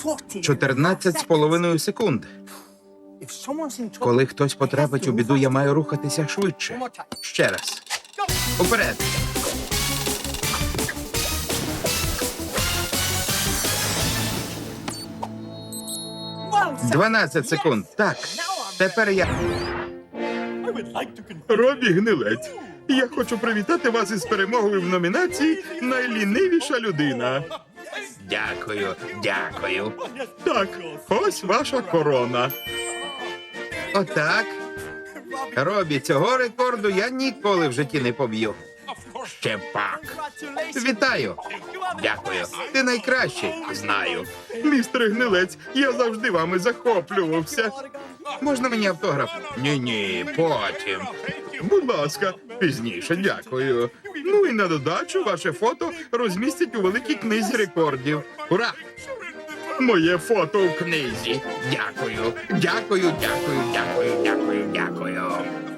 14,5 секунд. Коли хтось потрапить у біду, я маю рухатися швидше. Ще раз. Уперед. – 12 секунд. Так. Тепер я... Робі Гнилець, я хочу привітати вас із перемогою в номінації «Найлінивіша людина». Дякую, дякую. Так, ось ваша корона. Отак. Робі, цього рекорду я ніколи в житті не поб'ю. Ще пак. Вітаю. Дякую. Ти найкращий. Знаю. Містер Гнилець, я завжди вами захоплювався. Можна мені автограф? Ні-ні, потім. Будь ласка, пізніше, дякую. Ну і на додачу ваше фото розмістять у великій книзі рекордів. Ура! Моє фото у книзі. Дякую. Дякую, дякую, дякую, дякую, дякую.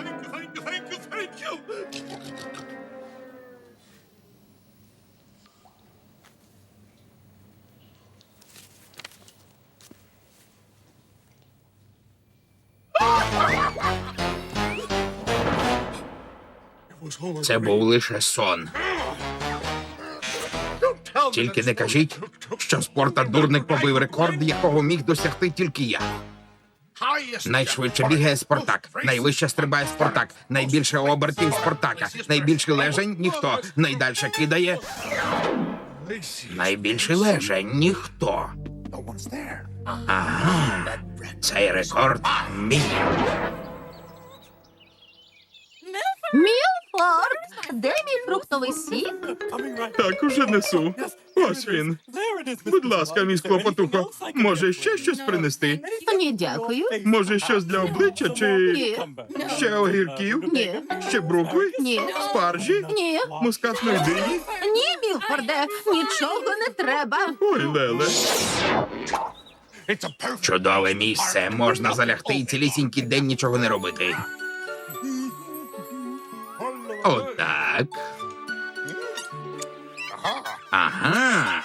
Це був лише сон. Тільки не кажіть, що Спортак-дурник побив рекорд, якого міг досягти тільки я. Найшвидше бігає Спартак, найвище стрибає Спартак, найбільше обертів Спартака, найбільше лежень – ніхто, найдальше кидає… Найбільше лежень – ніхто. Ага, цей рекорд мій. Мілфорд, де мій фруктовий сік? Так, уже несу. Ось він. Будь ласка, мій Клопотухо, може ще щось принести? Ні, дякую. Може щось для обличчя чи… Ні. Ще огірків? Ні. Ще брукви? Ні. Спаржі? Ні. Мускатної дині? Ні, Мілфорде, нічого не треба. Ой, Леле. Чудове місце. Можна залягти і цілісінький день нічого не робити. Отак. Ага.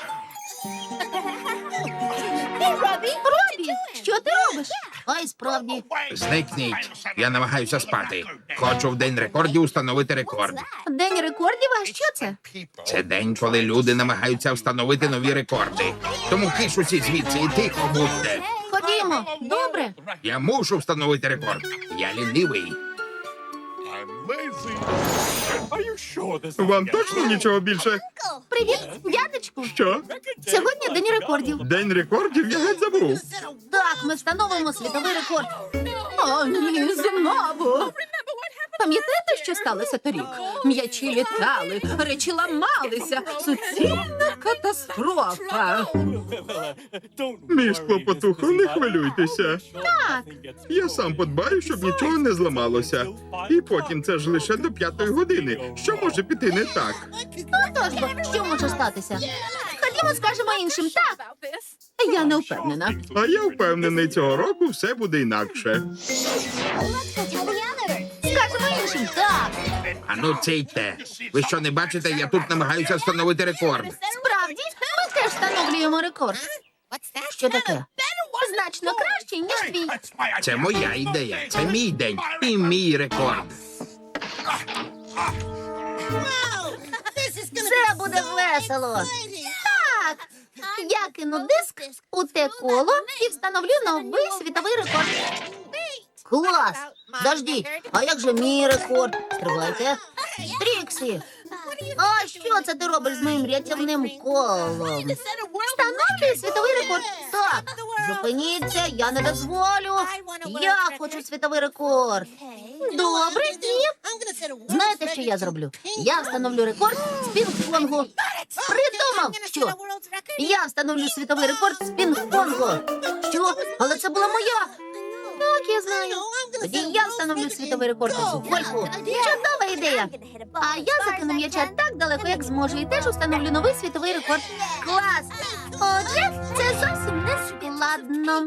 Робі, що ти робиш? Ой, справді. Зникніть. Я намагаюся спати. Хочу в день рекордів установити рекорд. День рекордів, а що це? Це день, коли люди намагаються встановити нові рекорди. Тому киш усі звідси і тихо будьте. Ходімо, добре. Я мушу встановити рекорд. Я лінивий. Вам точно нічого більше? Привіт, дядечку. Що? Сьогодні день рекордів. День рекордів? Я геть забув. Так, ми встановимо світовий рекорд. О, ні, знову. Пам'ятаєте, що сталося торік? М'ячі літали, речі ламалися. Суцільна катастрофа. Мій Клопотухо, не хвилюйтеся. Так, Я сам подбаю, щоб нічого не зламалося. І потім це ж лише до 5-ї години. Що може піти не так? отож бо, що може статися? Ходімо, скажемо іншим так. Я не впевнена. А я впевнений, цього року все буде інакше. Скажемо іншим так. Ану, ційте. Ви що, не бачите, я тут намагаюся встановити рекорд. Справді, ми теж встановлюємо рекорд. Що таке? Значно краще, ніж твій. Це моя ідея, це мій день і мій рекорд. Це буде весело. Так. Я кину диск у те коло і встановлю новий світовий рекорд. Клас! Дождіть, а як же мій рекорд? Стривайте. Тріксі, а що це ти робиш з моїм рятівним колом? Встановлюй світовий рекорд. Так, зупиніться, я не дозволю. Я хочу світовий рекорд. Добре, ні. Знаєте, що я зроблю? Я встановлю рекорд з пінг-понгу. Придумав, що? Я встановлю світовий рекорд з пінг-понгу. Що? Але це була моя. Так, я знаю. Тоді я встановлю світовий рекорд у гольфу. Чудова ідея. А я закину м'яча так далеко, як зможу, і теж встановлю новий світовий рекорд. Клас! Отже, це зовсім не складно.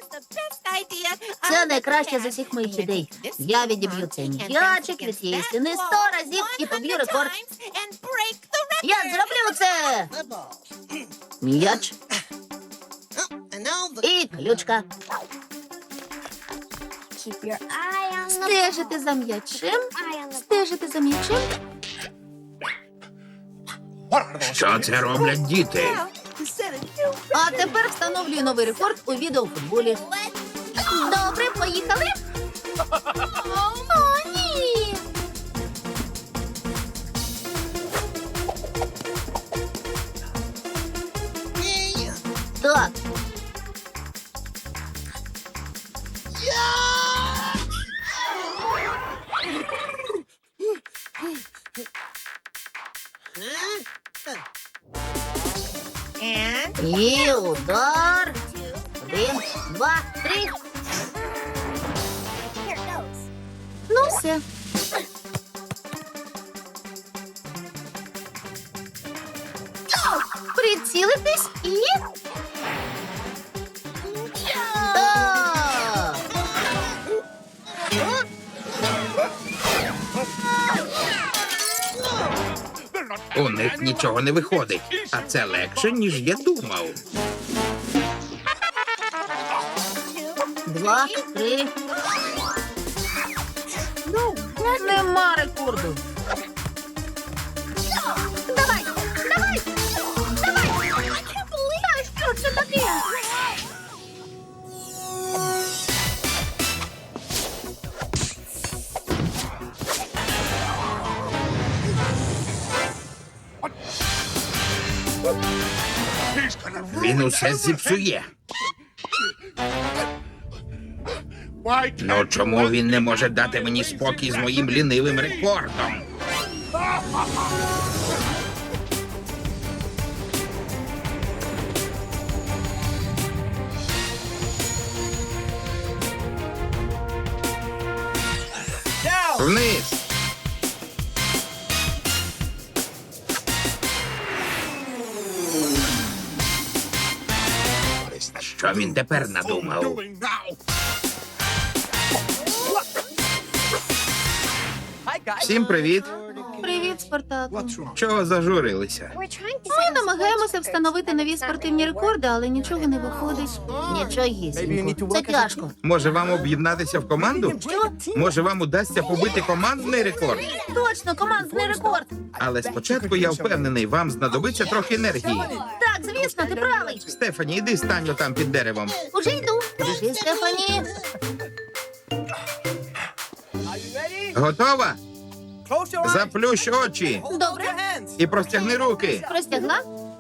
Це найкраще з усіх моїх ідей. Я відіб'ю цей м'ячик від цієї стіни 100 разів і поб'ю рекорд. Я зроблю це! М'яч. І ключка. Стежити за м'ячем. Стежити за м'ячем. Що це роблять діти? А тепер встановлюю новий рекорд у відеофутболі. Добре, поїхали. О, ні. Так. І удар. 1, 2, 3. Ну все. Прицілитись і... Так. У них нічого не виходить, а це легше, ніж я думав. 2, 3. Нема рекорду. Давай, давай, давай. Та що це таке? Він усе зіпсує. Ну чому він не може дати мені спокій з моїм лінивим рекордом? Вниз! Що він тепер надумав? Всім привіт! Привіт, Спартаку. Чого зажурилися? Ми намагаємося встановити нові спортивні рекорди, але нічого не виходить. Нічогісінько. Це тяжко. Може вам об'єднатися в команду? Що? Може вам удасться побити командний рекорд? Точно, командний рекорд. Але спочатку я впевнений, вам знадобиться трохи енергії. Так, звісно, ти правий. Стефані, іди стань отам під деревом. Уже йду. Біжи, Стефані. Готова? Заплющ очі Добре, і простягни руки. простягла.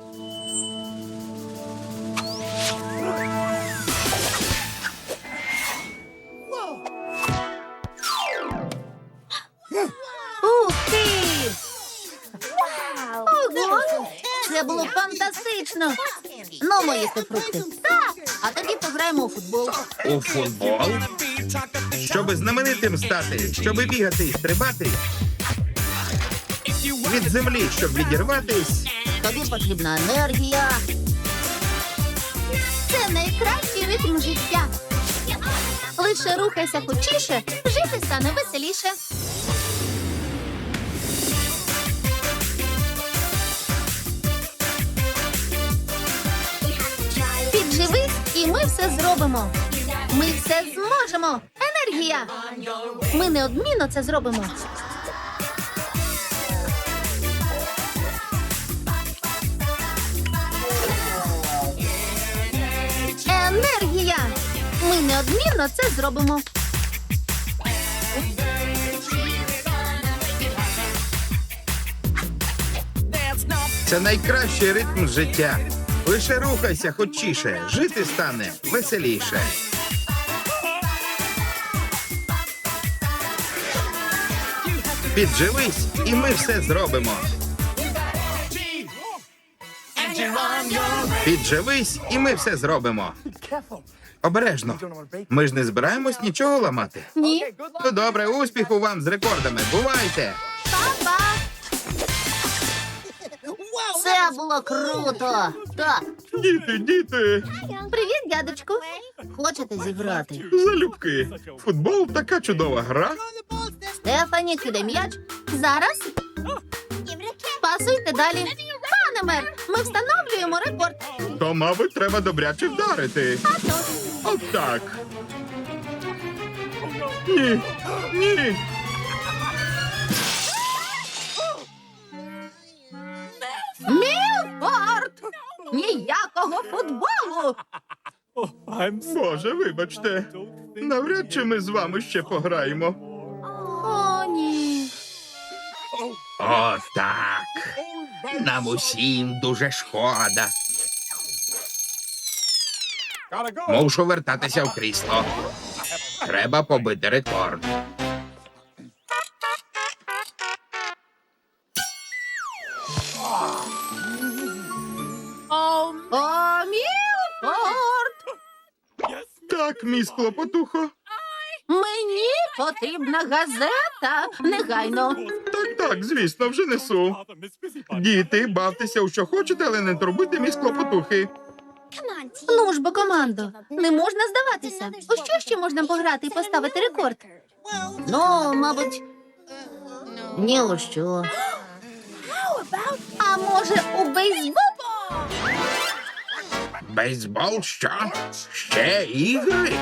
Ух ти! Ого! Це було фантастично! Ну, мої фрукти. Так! А тоді пограємо у футбол. У футбол? Щоби знаменитим стати, щоби бігати і стрибати. Від землі, щоб відірватись. Тобі потрібна енергія. Це найкращий ритм життя. Лише рухайся хочіше, жити стане веселіше. Підживись, і ми все зробимо. Ми все зможемо. Енергія. Ми неодмінно це зробимо. Енергія. Ми неодмінно це зробимо. Це найкращий ритм життя. Лише рухайся хочіше, жити стане веселіше. Підживись, і ми все зробимо. Підживись, і ми все зробимо. Обережно. Ми ж не збираємось нічого ламати. Ні. Ну добре, успіху вам з рекордами. Бувайте! Па-па. Це було круто. Так. Діти! Привіт, дядечку. Хочете зіграти? Залюбки. Футбол така чудова гра. Стефані, кидай м'яч. Зараз. Пасуйте далі. Пане Тренер, ми встановлюємо рекорд. То, мабуть, треба добряче вдарити. От так. Ні, ні. Мілфорд! Ніякого футболу! Боже, вибачте. Навряд чи ми з вами ще пограємо. О, ні. О, так. Нам усім дуже шкода. Мушу вертатися в крісло. Треба побити рекорд. О, Мілфорд! Так, мій клопотухо. Мені потрібна газета. Негайно. Так, звісно, вже несу. Діти, бавтеся у що хочете, але не турбуйте мій клопотухи. Ну ж бо, командо, не можна здаватися. У що ще можна пограти і поставити рекорд? Ну, мабуть, ні у що. А може, у бейсбол? Бейсбол що? Ще ігри?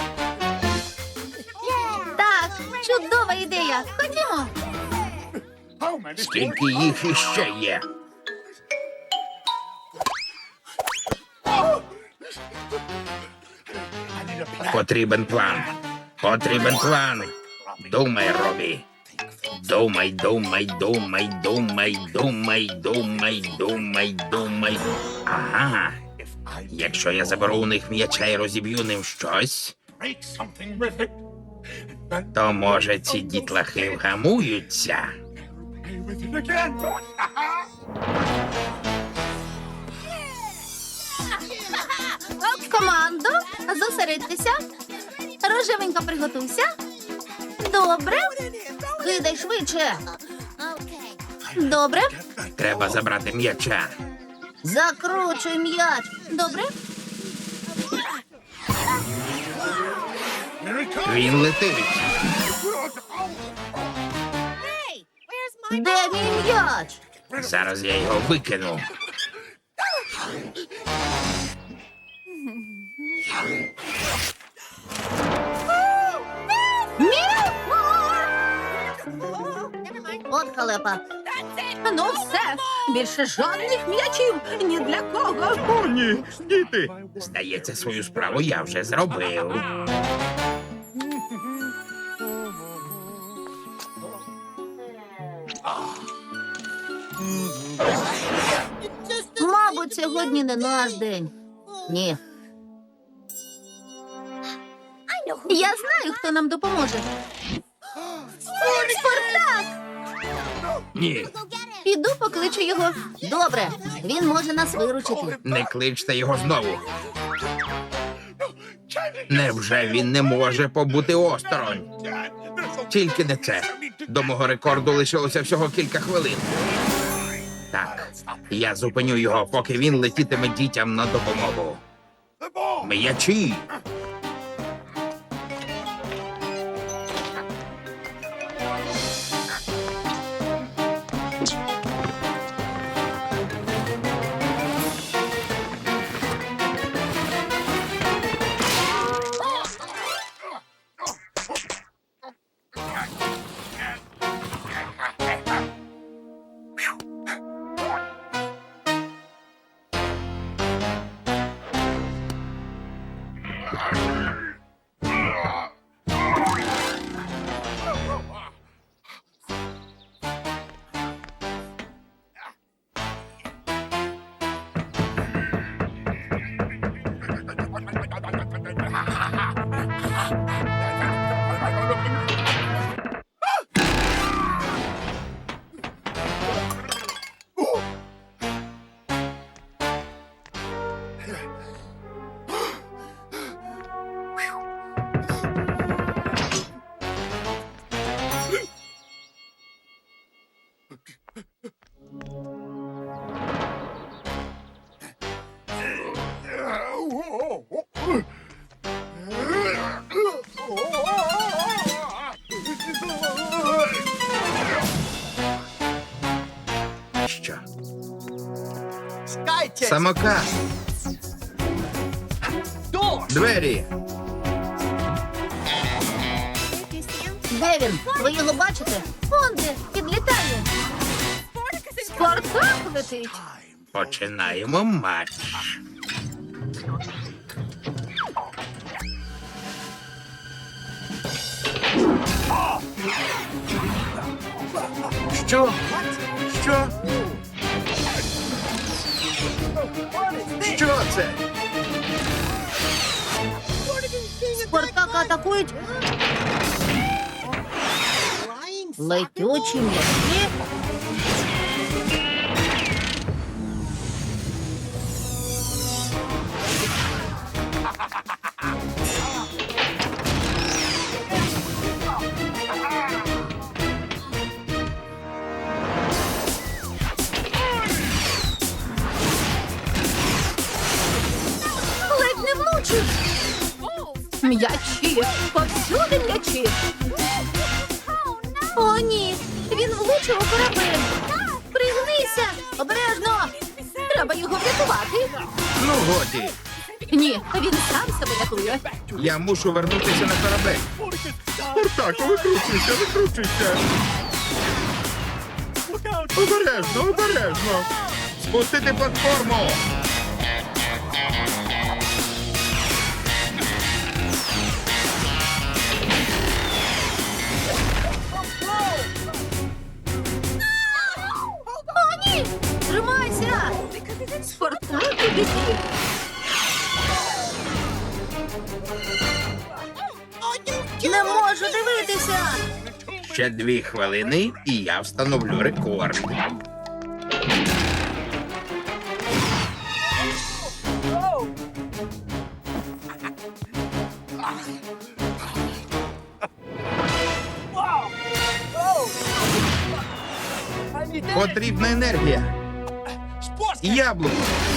Так, чудова ідея. Ходімо. Скільки їх іще є? Потрібен план. Потрібен план. Думай, Робі. Думай, думай, думай, думай, думай, думай, думай, думай. Ага. Якщо я заберу у них м'яча і розіб'ю ним щось, то, може, ці дітлахи вгамуються. Командо, зосередьтеся. Рожевенько приготуйся. Добре. Кидай швидше. Добре. Треба забрати м'яча. Закручуй м'яч. Добре. Він летить. Де мій м'яч? Зараз я його викину. От халепа. Ну все, більше жодних м'ячів ні для кого. О, ні, діти. Здається, свою справу я вже зробив. Мабуть, сьогодні не наш день. Ні. Я знаю, хто нам допоможе. Спартак! Ні, Піду покличу його. Добре, він може нас виручити. не кличте його знову. Невже він не може побути осторонь? Тільки не це. До мого рекорду лишилося всього кілька хвилин. Так, я зупиню його, поки він летітиме дітям на допомогу. М'ячі! Самокат. Двері. Де він? Ви його бачите? Он де, підлітає. Спартак летить. Починаємо матч. Що? Що? Що це? Спартака атакують. Летючі м'ячі. Ледь не влучив. М'ячі, повсюди м'ячі. О, ні, він влучив у корабель. Пригнися, обережно. Треба його врятувати. Ну, годі. Ні, він сам себе рятує. Я мушу вернутися на корабель. Спартаку, викручуйся, викручуйся. Обережно, обережно. Спустити платформу. О, ні! Тримайся! Спартак у біді. Не можу дивитися! Ще 2 хвилини, і я встановлю рекорд. Потрібна енергія. Яблуко.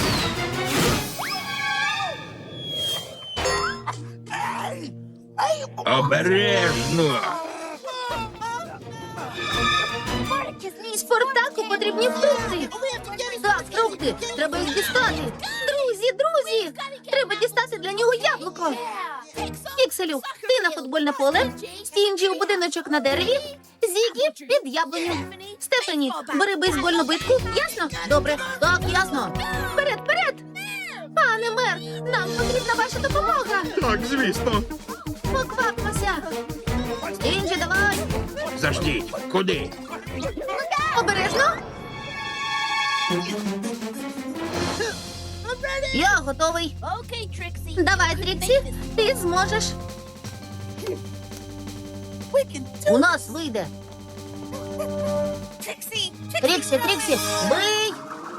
Обережно. Спартаку потрібні фрукти. Так, фрукти. Треба їх дістати. Друзі! Треба дістати для нього яблуко. Пікселю, ти на футбольне поле, Стінджі у будиночок на дереві, Зігі під яблуню. Стефані, бери бейсбольну битку, ясно? Добре, так, ясно. Вперед! Пане мер, нам потрібна ваша допомога. Так, звісно. Поквапмося. Стінджі, давай. Заждіть. Куди? Обережно. Я готовий. Давай, Тріксі, ти зможеш. У нас вийде. Тріксі, бий!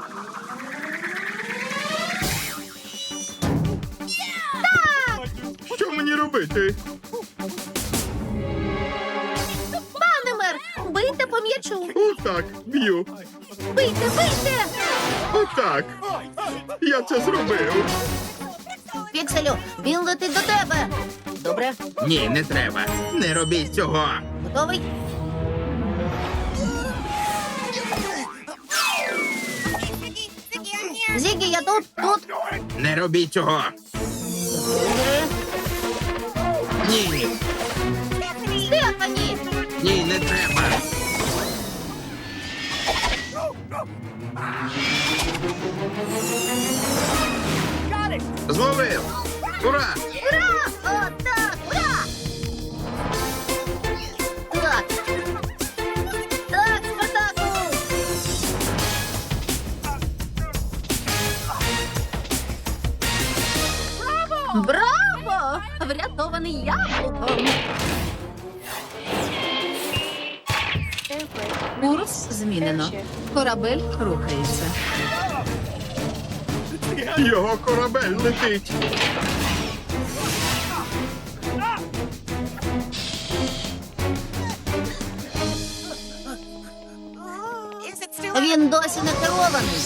Що мені робити? Пане мер, бийте по м'ячу. Отак, б'ю. Бийте! Отак. Я це зробив. Пікселю, він летить до тебе. Добре, Ні, не треба. Не робіть цього. готовий? Зігі, я тут. Не робіть цього. Ні. Стефані! Ні, не треба. Зловив. Ура! Ура! Отак! Ура! Так, Спартаку! Браво! Врятований яблуком! Курс змінено. Корабель рухається. Його корабель летить. Він досі не керований.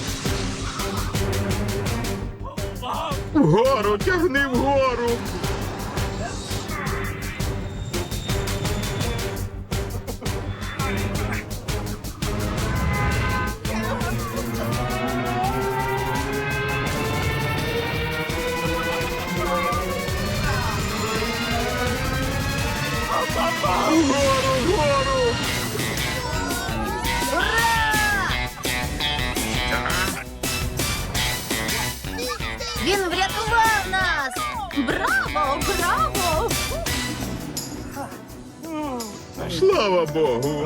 Вгору, тягни вгору. Браво! Браво! Слава Богу.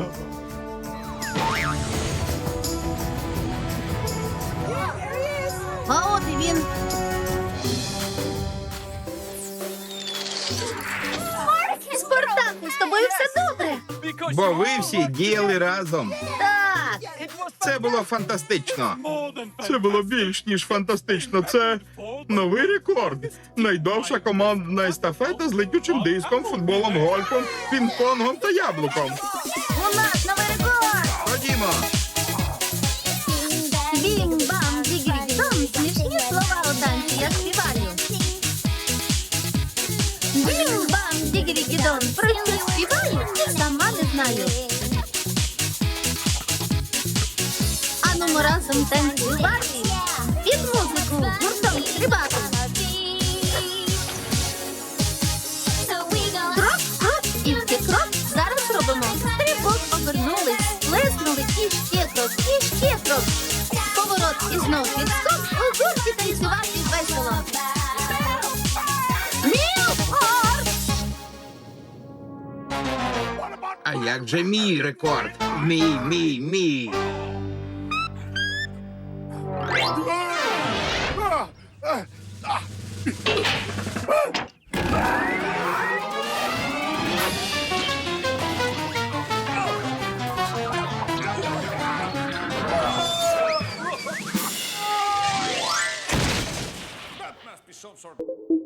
А от і він. Спартаку, з тобою все добре. Бо ви всі діяли разом. Так. Це було фантастично. Це було більш ніж фантастично. Це новий рекорд. Найдовша командна естафета з летючим диском, футболом, гольфом, пінг-понгом та яблуком. У нас новий рекорд. Ходімо. Бім-бам, дігірі-дон. Смішні слова у танці, я співаю. Бім-бам, дігірі-дон. Про що співаю, і сама не знаю. Ану, разом танцювати. Під музику гуртом стрибати. Крок, крок, тільки крок. Зараз робимо. Стрибок обернулись, плеснули і ще крок, і ще крок. Поворот і знов підскок. У гурті танцювати весело. Мілфорд! А як же мій рекорд? Мій. Must be some sort of